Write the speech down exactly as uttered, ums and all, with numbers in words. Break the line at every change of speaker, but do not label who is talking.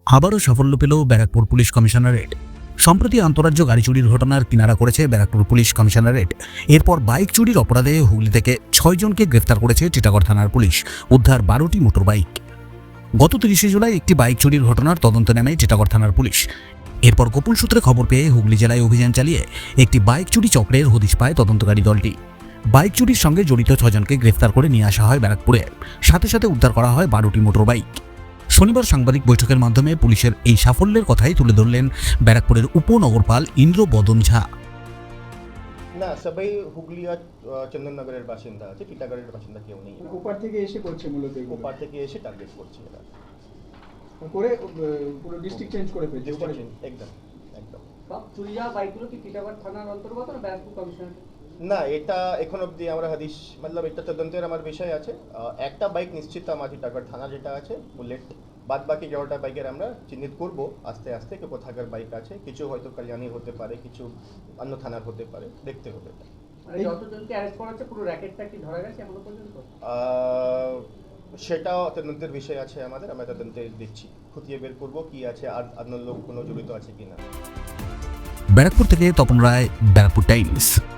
আবারও সাফল্য পেল ব্যারাকপুর পুলিশ কমিশনারেট। সম্প্রতি আন্তঃরাজ্য গাড়ি চুরির ঘটনার কিনারা করেছে ব্যারাকপুর পুলিশ কমিশনারেট। এরপর বাইক চুরির অপরাধে হুগলি থেকে ছয়জনকে গ্রেফতার করেছে টিটাগড় থানার পুলিশ। উদ্ধার বারোটি মোটর বাইক। গত তিরিশে জুলাই একটি বাইক চুরির ঘটনার তদন্তে নেমে টিটাগড় থানার পুলিশ। এরপর গোপন সূত্রে খবর পেয়ে হুগলি জেলায় অভিযান চালিয়ে একটি বাইক চুরি চক্রের হদিশ পায় তদন্তকারী দলটি। বাইক চুরির সঙ্গে জড়িত ছজনকে গ্রেফতার করে নিয়ে আসা হয় ব্যারাকপুরে। সাথে সাথে উদ্ধার করা হয় বারোটি মোটর বাইক। শনিবার সাংবাদিক বৈঠকের মাধ্যমে পুলিশের এই সাফল্যের কথাই তুলে ধরলেন ব্যারাকপুরের উপনগরপাল ইন্দ্র বদন ঝা।
না, সবাই হুগলি আর চন্দননগরের বাসিন্দা আছে, টিটাগড়ের বাসিন্দা কেউ নেই।
ওপার থেকে এসে করছে মূলত এগুলো।
ওপার থেকে এসে টার্গেট করছে এরা
করে আহ, পুরো ডিস্ট্রিক্ট চেঞ্জ করে ফেলছে ওপারে।
একদম একদম
সব চুরি যাওয়া বাইকগুলো কি টিটাগড় থানার অন্তর্গত না ব্যারাকপুর কমিশনার?
না, এটা এখন অবধি আমরা হাদিস মতলব এটা তদন্তের আমার বিষয় আছে। আহ, একটা বাইক নিশ্চিত আমার টিটাগড় থানা যেটা আছে বুলেট, বাদ বাকি এগারোটা বাইকের আমরা চিহ্নিত করব আস্তে আস্তে কে কোথাকার বাইক আছে। কিছু হয়তো কালিয়ানি হতে পারে, কিছু অন্য থানার হতে পারে, দেখতে হবে।
মানে যতজনকে অ্যারেস্ট করা হচ্ছে পুরো র্যাকেটটা কি ধরা গেছে এখনো পর্যন্ত?
আহ, সেটাও তদন্তের বিষয় আছে আমাদের, আমরা তদন্তে দিচ্ছি, খুঁটিয়ে বের করবো কি আছে আর অন্য লোক কোনো জড়িত আছে কিনা।
ব্যারাকপুর থেকে তপন রায়, ব্যারাকপুর টাইমস।